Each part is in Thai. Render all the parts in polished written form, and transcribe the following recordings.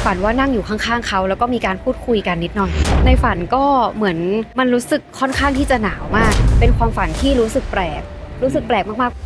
ฝันว่านั่งอยู่ข้างๆเขาแล้วก็มีการพูดคุยกันนิดหน่อยในฝันก็เหมือนมันรู้สึกค่อนข้างที่จะหนาวมากเป็นความฝันที่รู้สึกแปลกมากๆ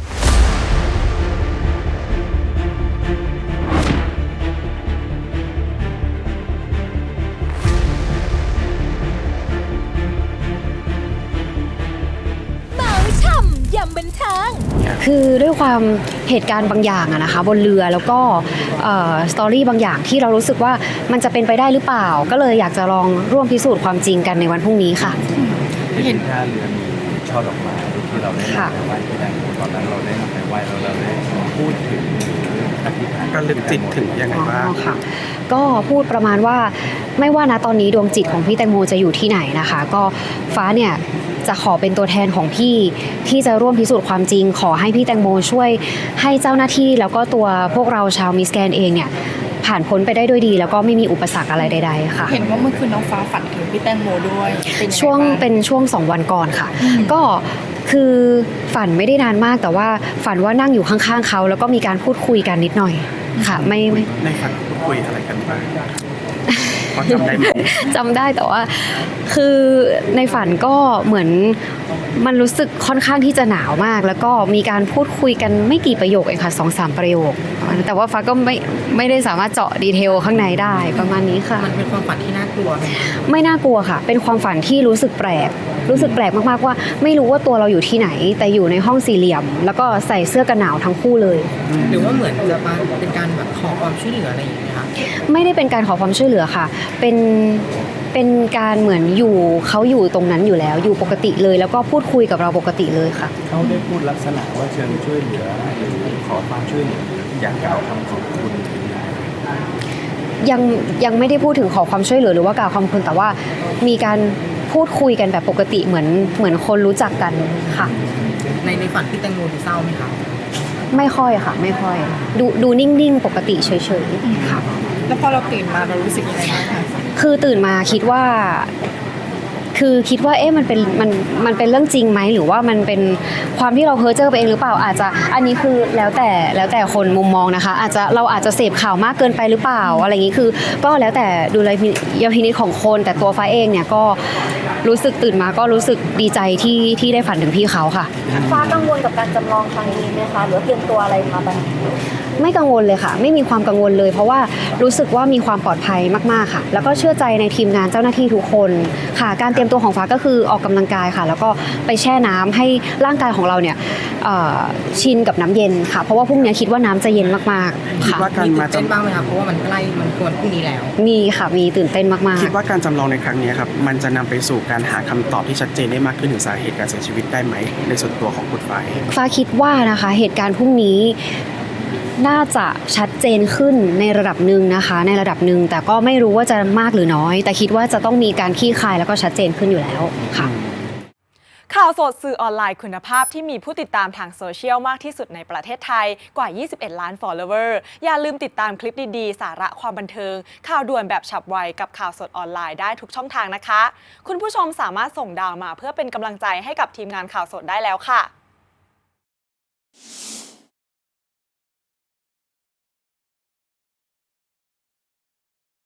ยำบันเทิงคือด้วยความเหตุการณ์บางอย่างอะนะคะบนเรือแล้วก็สตอรี่บางอย่างที่เรารู้สึกว่ามันจะเป็นไปได้หรือเปล่าก็เลยอยากจะลองร่วมพิสูจน์ความจริงกันในวันพรุ่งนี้ค่ะเห็นท่าเรือมีช่อดอกไม้ที่เราได้นำไปไหว้ที่นั่นตอนนั้นเราได้นำไปไหว้แล้วเราได้พูดถึงอธิษฐานการลึกจิตถึงยังไงบ้างค่ะก็พูดประมาณว่าไม่ว่านะตอนนี้ดวงจิตของพี่แตงโมจะอยู่ที่ไหนนะคะก็ฟ้าเนี่ยจะขอเป็นตัวแทนของพี่ที่จะร่วมพิสูจน์ความจริงขอให้พี่แตงโมช่วยให้เจ้าหน้าที่แล้วก็ตัวพวกเราชาวมิสแกรนด์เองเนี่ยผ่านพ้นไปได้ด้วยดีแล้วก็ไม่มีอุปสรรคอะไรใดๆค่ะเห็นว่าเมื่อคืนน้องฟ้าฝันถึงพี่แตงโมด้วยเป็นช่วง2 วันก่อนค่ะก็คือฝันไม่ได้นานมากแต่ว่าฝันว่านั่งอยู่ข้างๆเขาแล้วก็มีการพูดคุยกันนิดหน่อยค่ะไม่ในฝันพูดคุยอะไรกันบ้างพอจำได้ไหมจำได้แต่ว่าคือในฝันก็เหมือนมันรู้สึกค่อนข้างที่จะหนาวมากแล้วก็มีการพูดคุยกันไม่กี่ประโยคเองค่ะ2-3 ประโยคแต่ว่าฟ้าก็ไม่ได้สามารถเจาะดีเทลข้างในได้ประมาณนี้ค่ะมันเป็นความฝันที่น่ากลัวไหมไม่น่ากลัวค่ะเป็นความฝันที่รู้สึกแปลกมากๆว่าไม่รู้ว่าตัวเราอยู่ที่ไหนแต่อยู่ในห้องสี่เหลี่ยมแล้วก็ใส่เสื้อกันหนาวทั้งคู่เลยหรือว่าเหมือนจะเป็นการแบบขอความช่วยเหลืออะไรอย่างเงี้ยค่ะไม่ได้เป็นการขอความช่วยเหลือค่ะเป็นการเหมือนเขาอยู่ตรงนั้นอยู่แล้วอยู่ปกติเลยแล้วก็พูดคุยกับเราปกติเลยค่ะเขาได้พูดลักษณะว่าเชิญช่วยเหลือหรือขอความช่วยเหลืออยากกล่าวคำขอบคุณยังไม่ได้พูดถึงขอความช่วยเหลือหรือว่ากล่าวคำขอบคุณแต่ว่ามีการพูดคุยกันแบบปกติเหมือนคนรู้จักกันค่ะในฝันพี่แตงโมดูเศร้าไหมคะไม่ค่อยค่ะไม่ค่อยดูนิ่งๆปกติเฉยๆค่ะแล้วพอเราตื่นมาเรารู้สึกยังไงบ้างคะคือตื่นมาคิดว่าเอ๊ะมันเป็นเรื่องจริงไหมหรือว่ามันเป็นความที่เราเพ้อเจ้อไปเองหรือเปล่าอาจจะอันนี้คือแล้วแต่คนมุมมองนะคะเราอาจจะเสพข่าวมากเกินไปหรือเปล่าอะไรอย่างนี้คือก็แล้วแต่ดุลยพินิจของคนแต่ตัวฟ้าเองเนี่ยก็รู้สึกตื่นมาก็รู้สึกดีใจที่ได้ฝันถึงพี่เขาค่ะฟ้ากังวลกับการจำลองครั้งนี้ไหมคะหรือเตรียมตัวอะไรมาบ้างไม่กังวลเลยค่ะไม่มีความกังวลเลยเพราะว่ารู้สึกว่ามีความปลอดภัยมากๆค่ะแล้วก็เชื่อใจในทีมงานเจ้าหน้าที่ทุกคนค่ะการเตรียมตัวของฟ้าก็คือออกกำลังกายค่ะแล้วก็ไปแช่น้ำให้ร่างกายของเราเนี่ยชินกับน้ำเย็นค่ะเพราะว่าพรุ่งนี้คิดว่าน้ำจะเย็นมากๆค่ะมีตื่นเต้นบ้างไหมคะเพราะว่ามันใกล้มันควรพรุ่งนี้แล้วมีค่ะมีตื่นเต้นมากๆคิดว่าการจำลองในครั้งนี้ครับมันจะนำไปสู่การหาคำตอบที่ชัดเจนได้มากขึ้นถึงสาเหตุการเสียชีวิตได้ไหมในส่วนตัวของคุณฟ้าคิดว่านะคะเหตุการณ์พรุ่งนี้น่าจะชัดเจนขึ้นในระดับหนึ่งนะคะในระดับหนึ่งแต่ก็ไม่รู้ว่าจะมากหรือน้อยแต่คิดว่าจะต้องมีการคลี่คลายแล้วก็ชัดเจนขึ้นอยู่แล้วค่ะข่าวสดสื่อออนไลน์คุณภาพที่มีผู้ติดตามทางโซเชียลมากที่สุดในประเทศไทยกว่า 21 ล้าน follower อย่าลืมติดตามคลิปดีๆสาระความบันเทิงข่าวด่วนแบบฉับไวกับข่าวสดออนไลน์ได้ทุกช่องทางนะคะคุณผู้ชมสามารถส่งดาวมาเพื่อเป็นกำลังใจให้กับทีมงานข่าวสดได้แล้วค่ะ